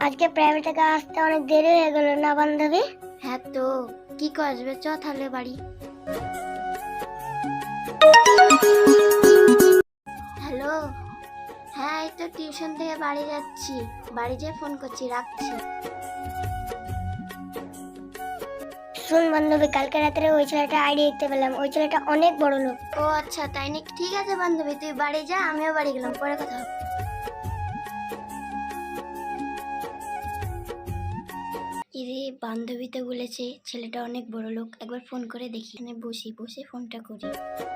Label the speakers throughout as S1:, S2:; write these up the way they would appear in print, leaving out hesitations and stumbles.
S1: আজকে প্রাইভেট থেকে আসতে অনেক দেরি হয়ে গেল না বান্ধবী?
S2: হ্যাঁ তো কি করবে, চ তাহলে বাড়ি। হ্যালো, হ্যাঁ এই তো টিউশন থেকে বাড়ি যাচ্ছি, বাড়ি যেয়ে ফোন করছি, রাখছি।
S1: শুন বান্ধবী, কালকে রাত্রে ওই ছেলেটা আইডি দেখতে পেলাম, ওই ছেলেটা অনেক বড় লোক।
S2: ও আচ্ছা তাই নাকি? ঠিক আছে বান্ধবী, তুই বাড়ি যা, আমিও বাড়ি গেলাম, পরে কথা হবে। ইরে বান্ধবী তো বলেছে ছেলেটা অনেক বড় লোক, একবার ফোন করে দেখি। এখানে বসে বসে ফোনটা করি।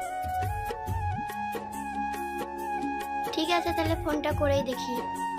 S2: ঠিক আছে তাহলে ফোনটা করেই দেখি।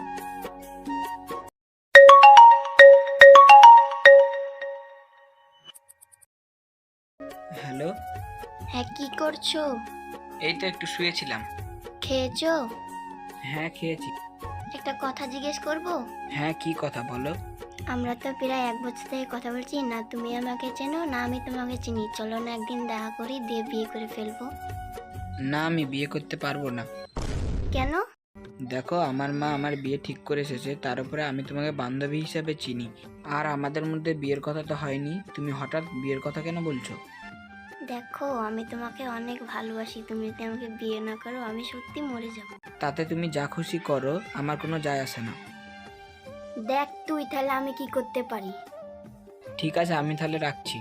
S3: হ্যালো।
S2: হ্যাঁ কি করছো?
S3: এই তো একটু শুয়েছিলাম।
S2: খেয়েছো?
S3: হ্যাঁ খেয়েছি।
S2: একটা কথা জিজ্ঞেস করব?
S3: হ্যাঁ কি কথা বলো।
S2: আমরা তো প্রায় 1 বছর থেকে কথা বলছি, না তুমি আমাকে চেনো না আমি তোমাকে চিনি। চলো না একদিন দেখা করি, দিয়ে বিয়ে করে ফেলবো।
S3: না আমি বিয়ে করতে পারবো না।
S2: কেন?
S3: দেখো আমার মা আমার বিয়ে ঠিক করে এসেছে, তার উপরে আমি তোমাকে বান্ধবী হিসাবে চিনি, আর আমাদের মধ্যে বিয়ের কথা তো হয়নি, তুমি হঠাৎ বিয়ের কথা কেন বলছো?
S2: দেখো আমি তোমাকে অনেক ভালোবাসি, তুমি যদি আমাকে বিয়ে না করো আমি সত্যি মরে যাব।
S3: তাতে তুমি যা খুশি করো, আমার কোনো যায় আসে না।
S2: দেখ তুই তাহলে আমি কি করতে পারি।
S3: ঠিক আছে আমি তাহলে রাখছি।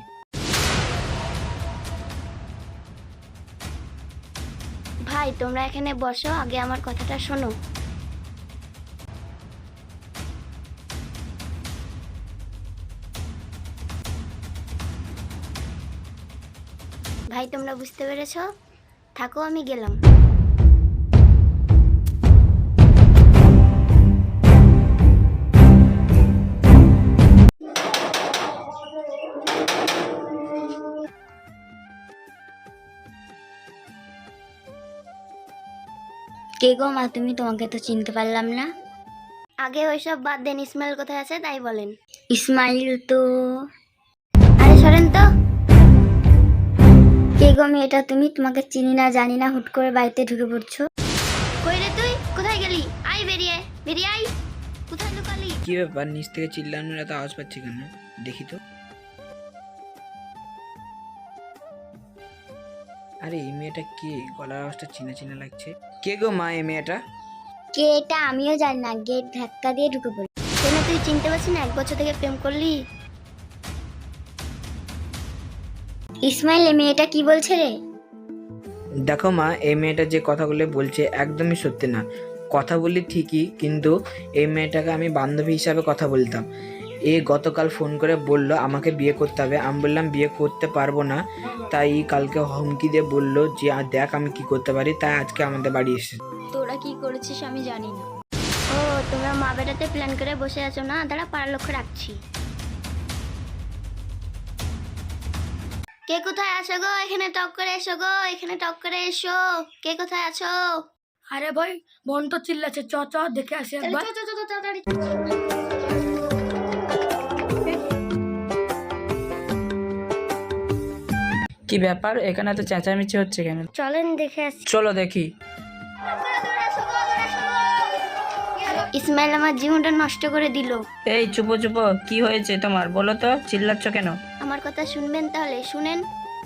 S2: ভাই তোমরা এখানে বসো, আগে আমার কথাটা শোনো। ভাই তোমরা বুঝতে পেরেছো? থাকো আমি গেলাম। কে গো মা তুমি? তোমাকে তো চিনতে পারলাম না। আগে ওইসব বাদ দেন, ইসমাইল কোথায় আছে তাই বলেন। ইসমাইল তো, আরে সরেন তো। কে গো মেয়েটা তুমি? তোমাকে চিনি না জানি না, হুট করে বাড়িতে ঢুকে পড়ছো। কই রে তুই, কোথায় গেলি? আই বেরিয়ে বেরিয়ে আই। কোথায় লুকালি?
S3: কি ব্যাপার, নিচ থেকে চিল্লানোর এত আওয়াজ পাচ্ছি কেন? দেখি তো। আরে এই মেয়েটা কে? গলার আওয়াজটা চিনা চিনা লাগছে। কে গো মা এই মেয়েটা?
S2: কে এটা আমিও জানি না, গেট ধাক্কা দিয়ে ঢুকে পড়ি। কেন তুই চিনতে পারছিস না? 1 বছর থেকে প্রেম করলি। ইসমাইল এই মেয়েটা কি বলছে রে?
S3: দেখো মা, এই মেয়েটা যে কথাগুলো বলছে একদমই সত্যি না। কথা বলি ঠিকই, কিন্তু এই মেয়েটাকে আমি বান্ধবী হিসাবে কথা বলতাম। এ গতকাল ফোন করে বলল আমাকে বিয়ে করতে হবে, আমি বললাম বিয়ে করতে পারবো না। তাই কালকে হুমকি দিয়ে বললো যে দেখ আমি কি করতে পারি, তাই আজকে আমাদের বাড়ি এসেছে।
S2: তোরা কি করেছিস আমি জানি না। ও তোমরা মা বেটাতে প্ল্যান করে বসে আছো না? দাঁড়া পাড়ার লক্ষ্য রাখছি। কে কোথায় আছো গো? এখানে টক করে এসো গো, এখানে টক করে এসো। কে কোথায় আছো?
S4: আরে ভাই বোন তো চিল্লাচ্ছে, চ চ দেখে আসি একবার।
S2: তাড়াতাড়ি।
S5: কি ব্যাপার, এখানে তো চেঁচামেচি হচ্ছে কেন?
S2: চলেন দেখে আসি।
S5: চলো দেখি।
S2: ইসমাইল আমার জীবনটা নষ্ট করে দিল।
S5: এই চুপো চুপো, কি হয়েছে তোমার বলো তো, চিল্লাচ্ছ কেন?
S2: আমার কথা শুনবেন তাহলে শুনেন।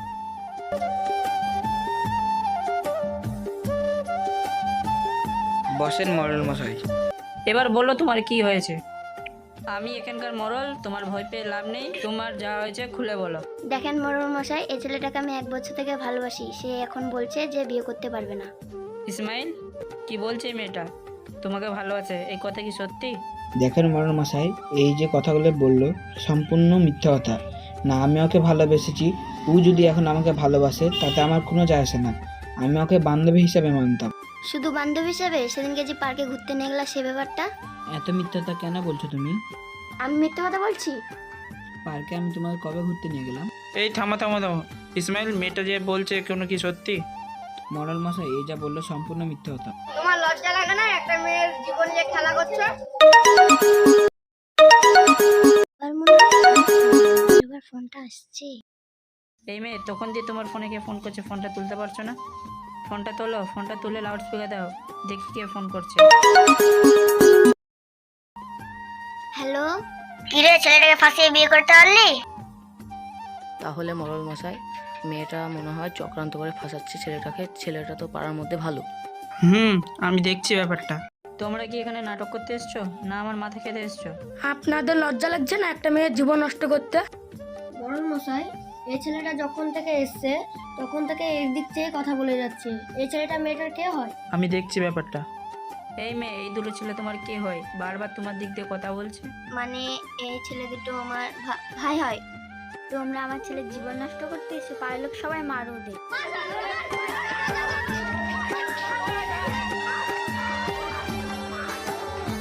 S3: বসেন মরল মশাই।
S5: এবার বলো তোমার কি হয়েছে। আমি এখানকার মরল, তোমার ভয় পেয়ে লাভ নেই, তোমার যা হয়েছে খুলে বলো।
S2: দেখেন মরুল মশাই, এই ছেলেটাকে আমি 1 বছর থেকে ভালোবাসি, সে এখন বলছে যে বিয়ে করতে পারবে না।
S5: ইসমাইল কি বলছে এই মেয়েটা? তোমাকে ভালোবাসে, এই কথা কি সত্যি?
S3: দেখেন মরল মশাই, এই যে কথাগুলো বললো সম্পূর্ণ মিথ্যা কথা। না আমি ওকে ভালোবেসেছি, ও যদি এখন আমাকে ভালোবাসে তাতে আমার কোনো যায় আসে না। আমি ওকে বান্ধবী হিসাবে মানতাম।
S2: শুধু বান্ধবী হিসাবে? সেদিনকে যে পার্কে ঘুরতে নিয়ে গেলা সে ব্যাপারটা?
S3: এত মিথ্যাটা কেন বলছো তুমি?
S2: আমি মিথ্যে কথা বলছি?
S3: পার্কে আমি তোমাকে কবে ঘুরতে নিয়ে গেলাম?
S5: এই থামো থামো থামো। ইসমাইল মেয়েটা যে বলছে কোনো কি সত্যি?
S3: মরল মশাই এই যা বললো সম্পূর্ণ মিথ্যা কথা।
S1: তোমার লজ্জা লাগে না একটা মেয়ের জীবন নিয়ে খেলা করছো?
S2: এবার ফোনটা আসছে।
S5: এই মেয়ে তখন দিয়ে তোমার ফোনে কে ফোন করছে, ফোনটা তুলতে পারছো না? ফোনটা তোলো, ফোনটা তুলে লাউড স্পিকার দাও, দেখি কে ফোন করছে।
S2: হ্যালো,
S1: কিরে ছেলেটাকে ফাঁসিয়ে বিয়ে করতে পারলি?
S6: তাহলে মরল মশাই, মেয়েটা মনে হয় চক্রান্ত করে ফাঁসাচ্ছে ছেলেটাকে। ছেলেটা তো পাড়ার মধ্যে ভালো।
S5: আমি দেখছি ব্যাপারটা। তোমরা কি এখানে নাটক করতে এসছো না আমার মাথা খেতে এসছো?
S4: আপনাদের লজ্জা লাগছে না একটা মেয়ের জীবন নষ্ট করতে?
S2: বরং মশাই, এই ছেলেটা যখন থেকে এসছে তখন থেকে এর দিক থেকে কথা বলে যাচ্ছে। এই ছেলেটা মেয়েটার কে হয়?
S5: আমি দেখছি ব্যাপারটা। এই মেয়ে, এই দুটো ছেলে তোমার কে হয়? বারবার তোমার দিক দিয়ে কথা বলছে।
S2: মানে এই ছেলে দুটো আমার ভাই হয়। তোমরা আমার ছেলের জীবন নষ্ট করতে এসে পাড়ার লোক সবাই মারো ওদের।